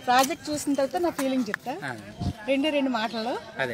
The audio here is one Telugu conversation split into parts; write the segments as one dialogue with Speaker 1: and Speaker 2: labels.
Speaker 1: ప్రాజెక్ట్ చూసిన తర్వాత నా ఫీలింగ్ చెప్తా. రెండు మాటలు.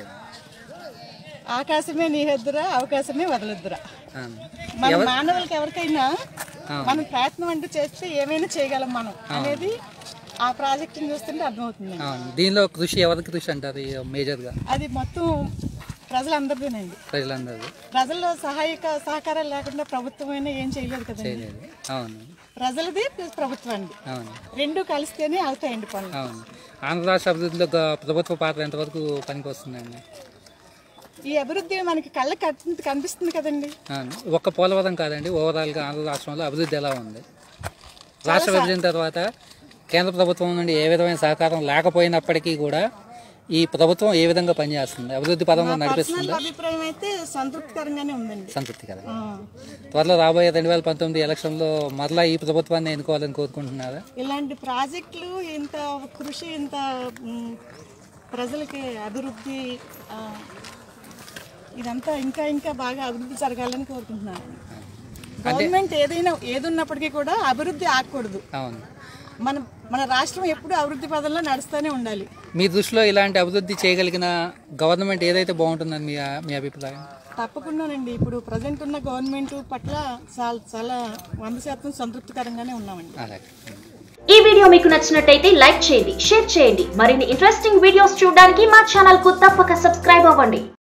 Speaker 1: ఆకాశమే నీహెద్దురా, అవకాశమే వదలొద్దురా. మన మానవులకి ఎవరికైనా మనం ప్రయత్నం అంటూ చేస్తే ఏమైనా చేయగలం మనం అనేది ఆ ప్రాజెక్ట్ చూస్తుంటే అర్థమవుతుంది.
Speaker 2: దీనిలో కృషి ఎవరికి కృషి అంటారు మేజర్ గా?
Speaker 1: అది మొత్తం ప్రజలందరిదేనండి. ప్రజల్లో సహకారాలు లేకుండా ప్రభుత్వం అయినా ఏం చేయలేదు కదండి. ప్రజలది ప్రభుత్వానికి రెండు కలిస్తేనే అవుతాయండి పనులు.
Speaker 2: ఆంధ్ర రాష్ట్ర అభివృద్ధిలో ప్రభుత్వ పాత్ర ఎంతవరకు పనికి వస్తుందండి?
Speaker 1: ఈ అభివృద్ధి మనకి కళ్ళకి కనిపిస్తుంది కదండి.
Speaker 2: ఒక్క పోలవరం కాదండి, ఓవరాల్ గా ఆంధ్ర రాష్ట్రంలో అభివృద్ధి ఎలా ఉంది? రాష్ట్ర విభజన తర్వాత కేంద్ర ప్రభుత్వం నుండి ఏ విధమైన సహకారం లేకపోయినప్పటికీ కూడా ఈ ప్రభుత్వం ఏ విధంగా పనిచేస్తుంది, అభివృద్ధి పదంలో నడిపిస్తుంది?
Speaker 1: అభిప్రాయం అయితే సంతృప్తికరంగానే ఉందండి.
Speaker 2: సంతృప్తికరంగా. త్వరలో రాబోయే 2019 ఎలక్షన్లో మరలా ఈ ప్రభుత్వాన్ని ఎన్నుకోవాలని కోరుకుంటున్నారా?
Speaker 1: ఇలాంటి ప్రాజెక్టులు ఇంత కృషి, ఇంత ప్రజలకి అభివృద్ధి, ఇదంతా ఇంకా ఇంకా బాగా అభివృద్ధి జరగాలని కోరుకుంటున్నాను. గవర్నమెంట్ ఏది ఉన్నప్పటికీ కూడా అభివృద్ధి ఆగకూడదు. మన రాష్ట్రం ఎప్పుడు అభివృద్ధి పదంలో నడుస్తూనే ఉండాలి.
Speaker 2: మీ దృష్టిలో ఇలాంటి అభివృద్ధి చేయగలిగిన గవర్నమెంట్ ఏదైతే బాగుంటుందని మీ అభిప్రాయం?
Speaker 1: తప్పకుండానండి. ఇప్పుడు ప్రజెంట్ ఉన్న గవర్నమెంట్ పట్ల చాలా 100% సంతృప్తికరంగానే ఉన్నామండి.
Speaker 3: ఈ వీడియో మీకు నచ్చినట్టయితే లైక్ చేయండి, షేర్ చేయండి. మరిన్ని ఇంట్రెస్టింగ్ వీడియోస్ చూడడానికి మా ఛానల్ కు తప్పక సబ్స్క్రైబ్ అవ్వండి.